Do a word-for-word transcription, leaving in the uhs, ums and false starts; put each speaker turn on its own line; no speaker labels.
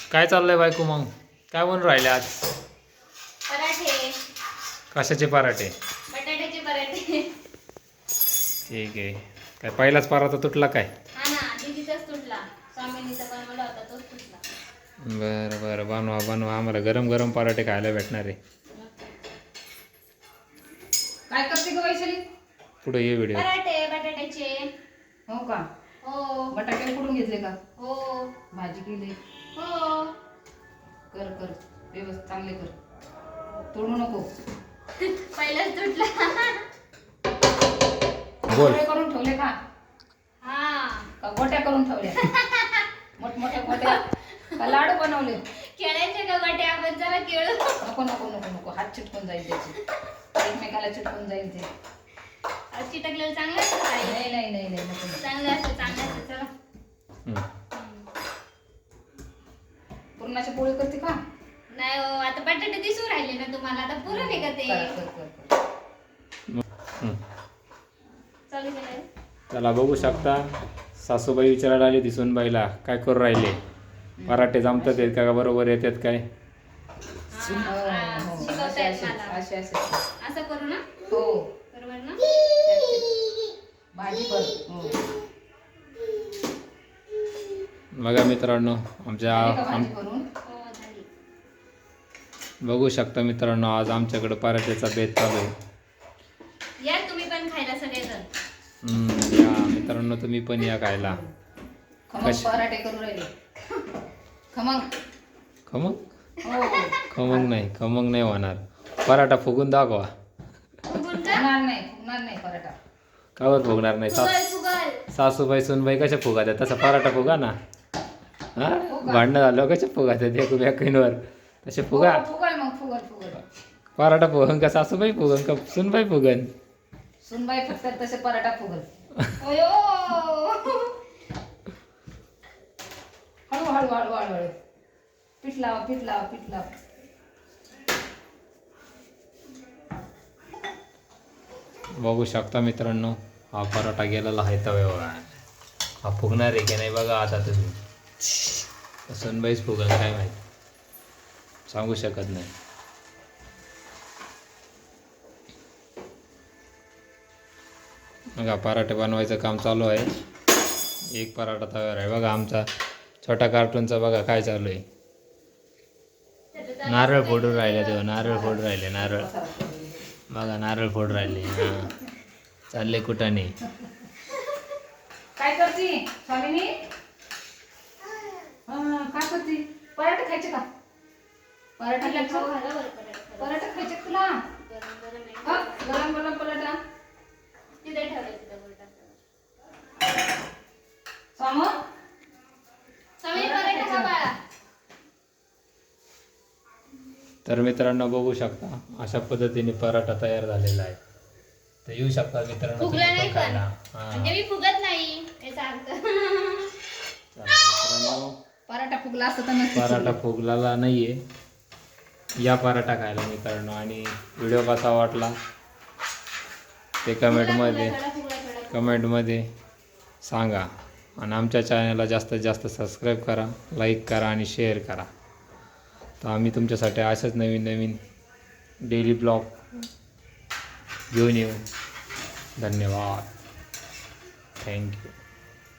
काय चाललंय बायको मग? काय बनवून राहिले आज?
पराठे.
कशाचे पराठे?
बटाट्याचे पराठे.
ठीक आहे. काय पहिलाच पराठा तुटला काय?
हा ना, दीदीचाच तुटला. स्वामिनीचा बनवला होता तोच तुटला.
बरं बरं, बनवा बनवा. आम्हाला गरम गरम पराठे खायला भेटणार आहे.
काय करते ग वैशाली?
पुढे ये व्हिडिओ.
पराठे बटाट्याचे.
हो का?
हो.
बटाटे कुठून घेतले का?
हो.
भाजी केली.
हो.
कर कर व्यवस्थित चांगले कर, तोडू नको.
पहिलाच तुटला.
बोल.
गोळे करून ठेवले का?
हा.
का गोट्या करून ठेवल्या? मोठमोठ्या गोट्या का लाडू बनवले?
खेळायचे का बटे आपण जरा खेळू.
नको नको नको नको, हात चिटकून जाईल त्याचे, एकमेकाला चिटकून जाईल ते.
चिटकलेलं चांगलं असतं काय?
नाही नाही नाही नाही नको नको.
चांगलं असतं चांगलं असतं चला.
हम्म.
पुरणाची पोळी करते का?
नाही हो, आता बटाटे दिसून राहिले ना तुम्हाला, आता पुरण आहे का ते?
कर कर कर कर.
हम्म.
चालू केलंय.
त्याला बघू शकता, सासूबाई विचारायला आली ती सुनबाईला काय करू राहिले. पराठे जमतात आहेत का बरोबर येतात काय?
हा,
हो,
हा,
हो.
शिकवतायत
असे
मला.
असे असे
असं करू ना?
हो.
बरोबर ना?
भाजी कर. हो.
बघा मित्रांनो, आमच्या
झाली का
आम
भाजी करून?
हो झाली.
बघू शकता मित्रांनो, आज आमच्याकडे पराठ्याचा बेत चालू आहे.
या तुम्ही पण खायला सगळेजण.
हम्म, या मित्रांनो तुम्ही पण या खायला.
खमंग
कशी?
पराठे करून राहिले. खमंग.
खमंग?
हो.
खमंग नाही, खमंग नाही होणार. पराठा फुगून दाखवा.
फुगून का?
फुगणार नाही फुगणार नाही पराठा.
कावर फुगणार नाही?
फुगल
सास
फुगल.
सासूबाई सुनबाई कशा फुगा द्या तसा पराठा फुगा ना. हा, भांडणं झालं कशा फुगा द्या एक व्याकीनवर तसे फुगा.
हो, फुगल मग फुगल फुगल.
पराठा फुगन का सासूबाई फुगन का सुनबाई फुगन?
सुनबाई फक्त तसे पराठा फुगल.
ओयो.
हळू हळू हळू हळू हळू. पीठ लावा पीठ लावा पीठ लावा.
बघू शकता मित्रांनो, हा पराठा गेलेला आहे तव्यावर. हा फुगणार आहे की नाही बघा आता तुम्ही. सुनबाईच फुगन काय माहिती, सांगू शकत नाही. बघा पराठे बनवायचं काम चालू आहे. एक पराठा तव्यावर आहे. बघा आमचा छोटा कार्टूनचा बघा काय चालू आहे. नारळ फोडून राहिले तेव्हा, नारळ फोडून राहिले नारळ. बघा नारळ फोड राहिले. हां, चालले कुठाने.
काय करते स्वामिनी? हा, काय करते? पराठा खायचे का? पराठा
तिला खाऊ
खायचे?
घाला बरं पराठे.
पराठा खायचे का तुला?
गरम गरम आहे.
हा, गरम गरम पराठा.
तिथे ठेवलंय तिथं वर टाकलं.
स्वाम
स्वामी पराठा खा बाळा.
तर मित्रांनो बघू शकता, अशा पद्धतीने पराठा तयार झालेला आहे. तर येऊ शकता मित्रांनो
फुगला
तुम्ही
नाही
पण
पण.
खायला. हां,
म्हणजे मी फुगत नाही याचा अर्थ.
चला मित्रांनो,
पराठा फुगला असता तर नक्की
पराठा फुगलेला नाहीये. या पराठा खायला मित्रांनो, आणि व्हिडिओ कसा वाटला ते कमेंटमध्ये
फुगला, फुगला, फुगला, फुगला.
कमेंटमध्ये सांगा. आणि आमच्या चॅनलला जास्तीत जास्त सबस्क्राईब करा, लाईक करा आणि शेअर करा. तर आम्ही तुमच्यासाठी असेच नवीन नवीन डेली ब्लॉग घेऊन येऊ. धन्यवाद. थँक्यू.